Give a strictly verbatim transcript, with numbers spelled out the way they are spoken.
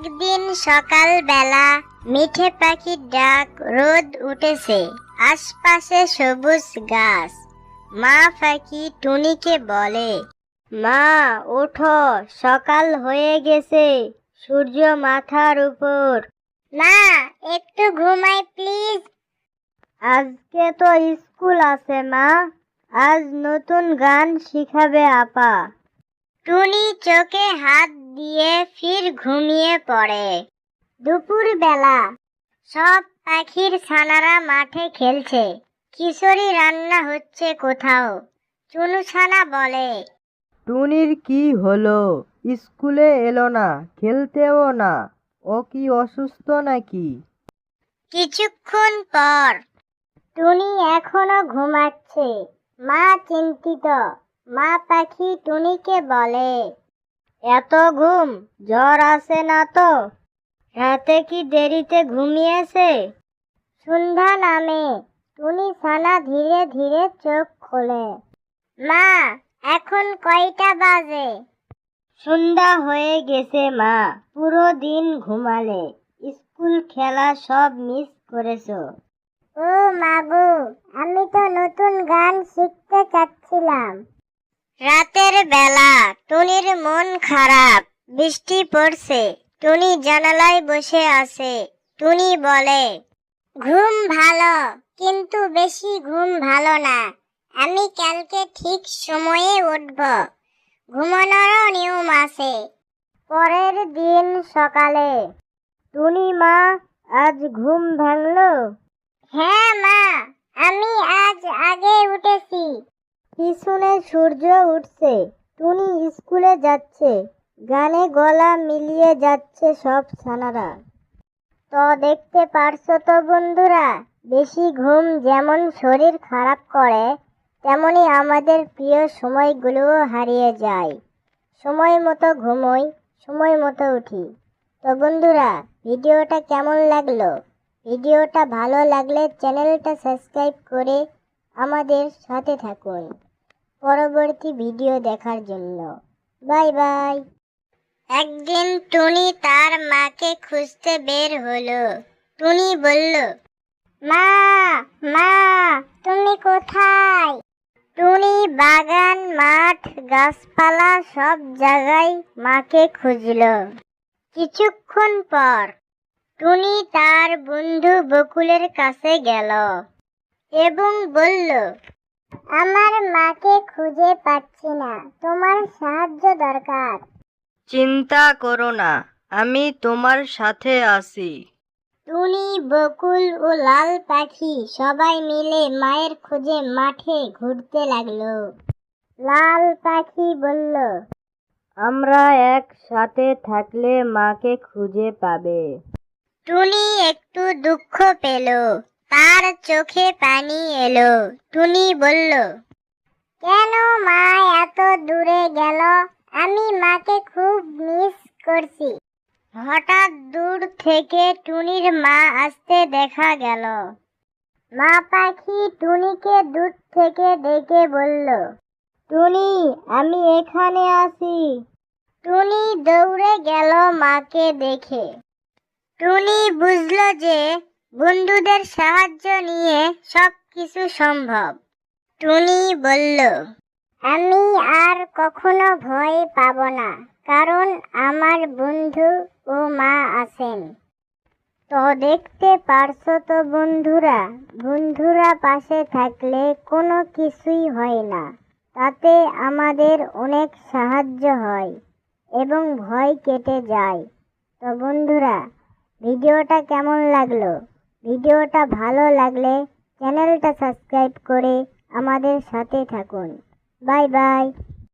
একদিন সকালবেলা মিঠে পাখির ডাক, রোদ উঠেছে, আশপাশে সবুজ গাছ। মা পাখি টুনিকে বলে, মা ওঠো, সকাল হয়ে গেছে, সূর্য মাথার উপর। মা একটু ঘুমাই প্লিজ। আজকে তো স্কুল আছে মা, আজ নতুন গান শিখাবে আপা। টুনি চোখে হাত দিয়ে ফির ঘুমিয়ে পড়ে। দুপুর বেলা সব পাখির ছানারা মাঠে খেলছে, খিচুড়ি রান্না হচ্ছে কোথাও। চুনু ছানা বলে, টুনির কি হলো? স্কুলে এলো না, খেলতেও না, ও কি অসুস্থ নাকি? কিছুক্ষণ পর টুনি এখনো ঘুমাচ্ছে। মা চিন্তিত। মা পাখি টুনিকে বলে, এত ঘুম, জ্বর আসে না তো? রাতে কি দেরিতে ঘুমিয়েছে? সন্ধ্যা নামে, টুনি ছানা ধীরে ধীরে চোখ খোলে। মা এখন কয়টা বাজে? সন্ধ্যা হয়ে গেছে মা, পুরো দিন ঘুমালে, স্কুল খেলা সব মিস করেছো। ও মাগো, আমি তো নতুন গান শিখতে চাচ্ছিলাম। রাতের বেলা টুনির মন খারাপ, বৃষ্টি পড়ছে। টুনি জানালায় বসে আছে। টুনি বলে, ঘুম ভালো, কিন্তু বেশি ঘুম ভালো না। আমি কালকে ঠিক সময়ে উঠব। ঘুমানোরও নিয়ম আছে। পরের দিন সকালে, টুনি মা, আজ ঘুম ভাঙলো? হ্যাঁ মা, আমি আজ আগে উঠেছি। পিছনে সূর্য উঠছে, টুনি স্কুলে যাচ্ছে, গানে গলা মিলিয়ে যাচ্ছে সব ছানারা। তো দেখতে পারছো তো বন্ধুরা, বেশি ঘুম যেমন শরীর খারাপ করে, তেমনি আমাদের প্রিয় সময়গুলোও হারিয়ে যায়। সময় মতো ঘুমোই, সময় মতো উঠি। তো বন্ধুরা, ভিডিওটা কেমন লাগলো? ভিডিওটা ভালো লাগলে চ্যানেলটা সাবস্ক্রাইব করে আমাদের সাথে থাকুন পরবর্তী ভিডিও দেখার জন্য। Bye bye. একদিন টুনি তার মাকে খুঁজতে বের হলো। টুনি বলল, মা মা তুমি কোথায়? টুনি বাগান, মাঠ, গাছপালা সব জায়গায় মাকে খুঁজল। কিছুক্ষণ পর টুনি তার বন্ধু বকুলের কাছে গেল এবং বলল, আমার মাকে খুঁজে পাচ্ছি না, তোমার সাহায্য দরকার। চিন্তা করো না, আমি তোমার সাথে আছি। টুনি, বকুল ও লাল পাখি সবাই মিলে মায়ের খোঁজে মাঠে ঘুরতে লাগলো। লাল পাখি বলল, আমরা একসাথে থাকলে মাকে খুঁজে পাবে। টুনি একটু দুঃখ পেল, তার চোখে পানি এলো। টুনি বলল, কেন মা এত দূরে গেল? আমি মাকে খুব মিস করছি। হঠাৎ দূর থেকে টুনির মা আসতে দেখা গেল। মা পাখি টুনিকে দূর থেকে ডেকে বলল, টুনি, আমি এখানে আছি। টুনি দৌড়ে গেল মাকে দেখে। টুনি বুঝল যে বন্ধুদের সাহায্য নিয়ে সব কিছু সম্ভব। টুনি বলল, আমি আর কখনো ভয় পাব না, কারণ আমার বন্ধু ও মা আছেন। তো দেখতে পারছো তো বন্ধুরা, বন্ধুরা পাশে থাকলে কোনো কিছুই হয় না, তাতে আমাদের অনেক সাহায্য হয় এবং ভয় কেটে যায়। তো বন্ধুরা, ভিডিওটা কেমন লাগলো? ভিডিওটা ভালো লাগলে চ্যানেলটা সাবস্ক্রাইব করে আমাদের সাথে থাকুন। Bye by.